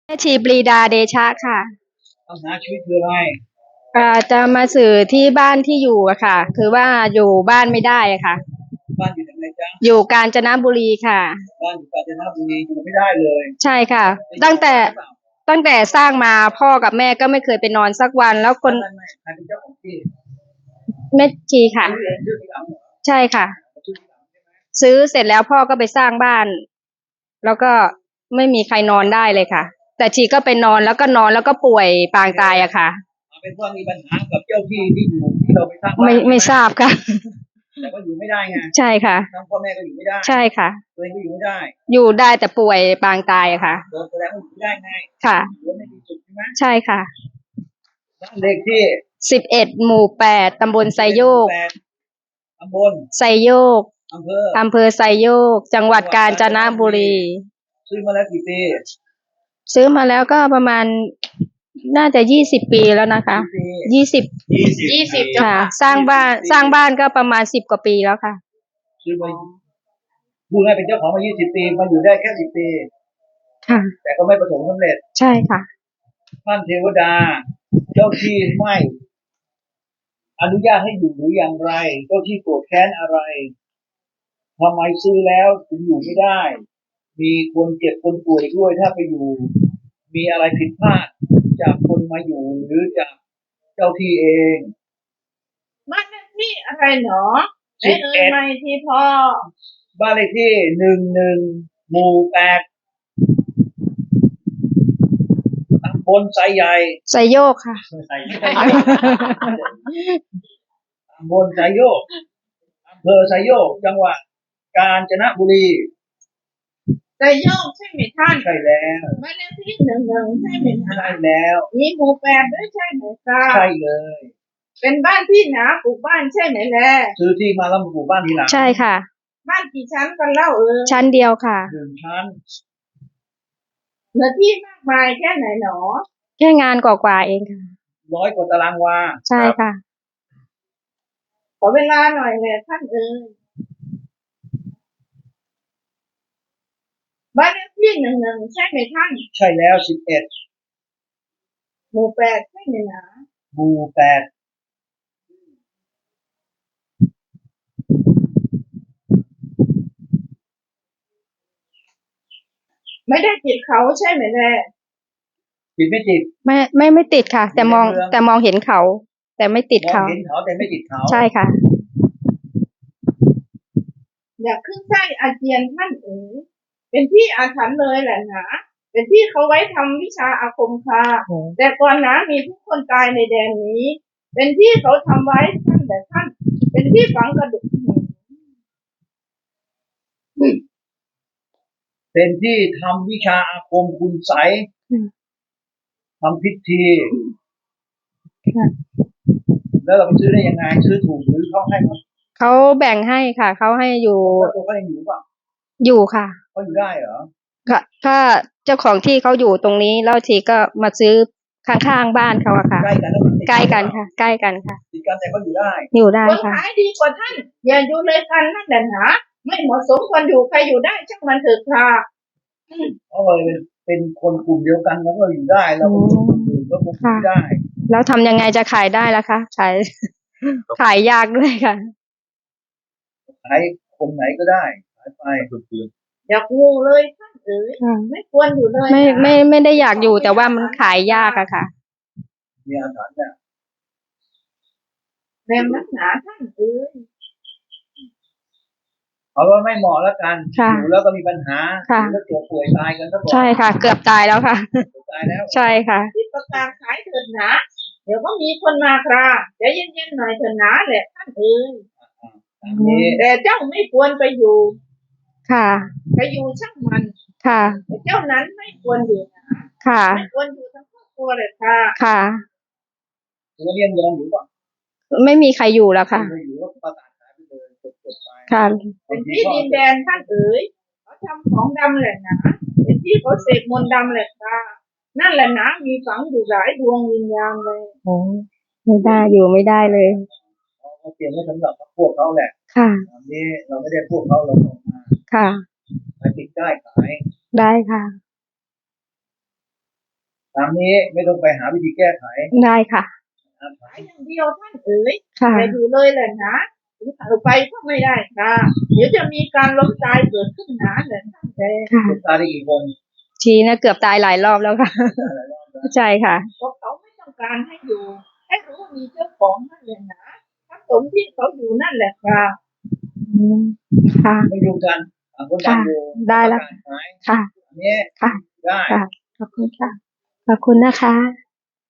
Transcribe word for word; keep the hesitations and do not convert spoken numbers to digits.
แม่ชีปรีดาเดชะค่ะปัญหาชีวิตคืออะไรอ่าจะมาสื่อที่บ้านที่อยู่อะค่ะคือว่าอยู่บ้านไม่ได้อะค่ะบ้านอยู่ไหนจ๊ะอยู่กาญจนบุรีค่ะบ้านอยู่กาญจนบุรีอยู่ไม่ได้เลยใช่ค่ะตั้งแต่ตั้งแต่สร้างมาพ่อกับแม่ก็ไม่เคยไปนอนสักวันแล้วคนไม่ไม่ใครเป็นเจ้าของที่แม่ชีค่ะซื้อเองซื้อทีหลังเหรอใช่ค่ะซื้อทีหลังใช่ไหมซื้อเสร็จแล้วพ่อก็ไปสร้างบ้านแล้วก็ไม่มีใครนอนได้เลยค่ะแต่ชีก็ไปนอนแล้วก็นอนแล้วก็ป่วยปางตายอะค่ะเอาเป็นว่ามีปัญหากับเจ้าที่ที่อยู่ที่เราไปสร้างบ้าไม่นไม่ทราบค่ะแต่ว่าอยู่ไม่ได้ไงใช่ค่ะทั้งพ่อแม่ก็อยู่ไม่ได้ใช่ค่ะตัวเองก็อยู่ไม่ได้อยู่ได้แต่ป่วยปางตายอะค่ะแสดงว่าอยู่ไม่ได้ไงค่ะอยู่ไม่มีสุขใช่ไหมใช่ค่ะบ้านเลขที่สิบเอ็ดหมู่แปดตำบลไซโยกตำบลไซโยกอำเภออำเภอไซโยกจังหวัดกาญจนบุรีซื้อมาแล้วกี่ปีซื้อมาแล้วก็ประมาณน่าจะยี่สิบปีแล้วนะคะยี่สิบยี่สิบค่ะสร้างบ้านสร้างบ้านก็ประมาณสิบกว่าปีแล้วค่ะซื้อมาพูดง่ายเป็นเจ้าของมายี่สิบปีมาอยู่ได้แค่สิบปีค่ะแต่ก็ไม่ประสบความสำเร็จใช่ค่ะท่านเทวดาเจ้าที่ไม่อนุญาตให้อยู่หรืออย่างไรเจ้าที่โกรธแค้นอะไรทำไมซื้อแล้วถึงอยู่ไม่ได้มีคนเจ็บคนป่วยด้วยถ้าไปอยู่มีอะไรผิดพลาดจากคนมาอยู่หรือจากเจ้าที่เองบ้านเลขที่อะไรหนอไอ้เอ่ยไม่ที่พ่อบ้านเลขที่หนึ่งหนึ่งหมู่แปดตำบลไซใหญ่ไซโยกค่ะไซโยกตำบลไซโยกอำเภอไซโยกจังหวัดกาญจนบุรีไซโยกใช่ไหมท่านใช่แล้วบ้านเลขที่หนึ่งหนึ่งใช่ไหมใช่แล้วมีหมู่แปดด้วยใช่ไหมครับใช่เลยเป็นบ้านที่หนาปลูกบ้านใช่ไหมแล่ซื้อที่มาแล้วมาปลูกบ้านทีหลังใช่ค่ะบ้านกี่ชั้นกันเล่าเออชั้นเดียวค่ะหนึ่งชั้นเนื้อที่มากมายแค่ไหนหนอแค่งานกว่าๆเองค่ะร้อยกว่าตารางวาใช่ค่ะขอเวลาหน่อยเลยท่านเออบ้านเลขที่หนึ่งหนึ่งใช่ไหมท่านใช่แล้วสิบเอ็ดหมู่แปดใช่ไหมนะหมู่แปดไม่ได้ติดเขาใช่ไหมแล่ติดไม่ติดไม่ไม่ไม่ติดค่ะแต่มองแต่มองเห็นเขาแต่ไม่ติดเขามองเห็นเขาแต่ไม่ติดเขาใช่ค่ะอยากขึ้นไส้อาเจียนท่านเอ๋ยเป็นที่อาถรรพ์เลยแหละนะเป็นที่เขาไว้ทำวิชาอาคมคาแต่ก่อนนะมีทุกคนตายในแดนนี้เป็นที่เขาทำไว้ท่านแต่ท่านเป็นที่ฝังกระดูกเป็นที่ทำวิชาอาคมคุณไสยทำพิธีแล้วเราไปซื้อได้ยังไงซื้อถูกหรือเขาให้เขาแบ่งให้ค่ะเขาให้อยู่ตัวเขายังอยู่ป่ะอยู่ค่ะเขาอยู่ได้เหรอค่ะถ้าเจ้าของที่เขาอยู่ตรงนี้แล้วทีก็มาซื้อข้างๆบ้านเขาอะค่ะใกล้กันใกล้กันค่ะใกล้กันค่ะติดกันแต่เขาอยู่ได้อยู่ได้ค่ะคนขายดีกว่าท่านอย่าอยู่เลยกันนั่นแหละนะไม่เหมาะสมควรอยู่ใครอยู่ได้ช่างมันเถิดค่ะเพราะว่าเป็นเป็นคนกลุ่มเดียวกันแล้วก็อยู่ได้เราก็อยู่ก็คงอยู่ได้แล้วทำยังไงจะขายได้ล่ะคะขายขายยากด้วยค่ะขายคนไหนก็ได้ขายไปอยากงูเลยท่านเอ๋ยไม่ควรอยู่เลยไม่ไม่ไม่ได้อยากอยู่แต่ว่ามันขายยากอะค่ะมีอาถรรพ์เนี่ยแรงนักหนาท่านเอ๋ยเอาว่าไม่เหมาะแล้วกันอยู่แล้วก็มีปัญหาแล้วเกือบป่วยตายกันก็บอกใช่ค่ะเกือบตายแล้วค่ะตายแล้วใช่ค่ะที่ประกาศขายเถิดหนาเดี๋ยวก็มีคนมาคราใจเย็นๆหน่อยเถิดหนาแหละท่านเอ๋ยแต่เจ้าไม่ควรไปอยู่ค่ะไปอยู่ช่างมันค่ะเจ้านั้นไม่ควรอยู่นะค่ะไม่ควรอยู่ทั้งครอบครัวเลยค่ะค่ะตัวเรียนยอมอยู่ป่ะไม่มีใครอยู่แล้วค่ะไม่อยู่ก็ประกาศขายไปเลยจบๆไปค่ะเป็นที่ดินแดนท่านเอ๋ยเขาทำของดำแหละนะเป็นที่เขาเสกมนต์ดำแหละค่ะนั่นแหละนะมีฝังอยู่หลายดวงวิญญาณเลยโอ้ไม่ได้อยู่ไม่ได้เลยเขาเตรียมไว้สำหรับพวกเขาแหละค่ะอันนี้เราไม่ได้พวกเขาเราออกมาค่ะไปติดได้ขายได้ค่ะตามนี้ไม่ต้องไปหาวิธีแก้ไขได้ค่ะขายอย่างเดียวท่านเอ๋ยค่ะแต่อยู่เลยแหละนะถึงเอาไปก็ไม่ได้ค่ะเดี๋ยวจะมีการล้มตายเกิดขึ้นหนาแหละท่านแต่ค่ะลูกตาได้กี่คนชีนะเกือบตายหลายรอบแล้วค่ะหลายรอบแล้วใช่ค่ะเพราะเขาไม่ต้องการให้อยู่ ให้รู้ว่ามีเจ้าของนั่นแหละนะถ้าสมที่เขาอยู่นั่นแหละค่ะอืมค่ะไม่ยุ่งกันต่างคนต่างอยู่ได้แล้วประกาศขายค่ะอันนี้ค่ะได้ค่ะ ขอบคุณค่ะ ขอบคุณนะคะ